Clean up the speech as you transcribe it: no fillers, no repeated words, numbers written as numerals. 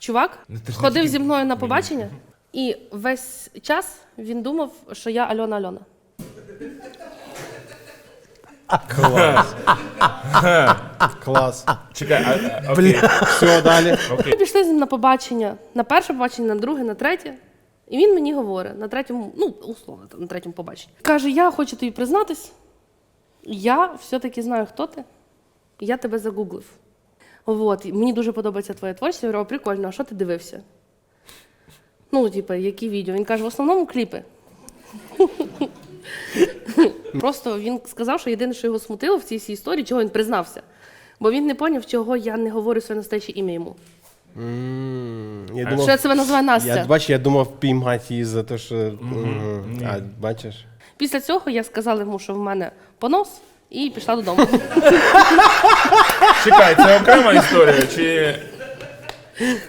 чувак ходив зі мною на побачення, і весь час він думав, що я Альона. Клас. Чекай, окей. Все, далі. Ми пішли з ним на побачення, на перше побачення, на друге, на третє. І він мені говорить, на третьому, ну, условно, там, на третьому побаченні. Каже, я хочу тобі признатись, я все-таки знаю, хто ти, я тебе загуглив. От, і мені дуже подобається твоя творчість. Я говорю, прикольно, а що ти дивився? Ну, типу, які відео? Він каже, в основному кліпи. Просто він сказав, що єдине, що його смутило в цій всій історії, чого він признався. Бо він не поняв, чого я не говорю своє настояще ім'я йому. Я Що я себе називаю Настя. Я думав піймати її за те, що... А, бачиш? Після цього я сказала йому, що в мене понос, і пішла додому. Чекай, це окрема історія, чи...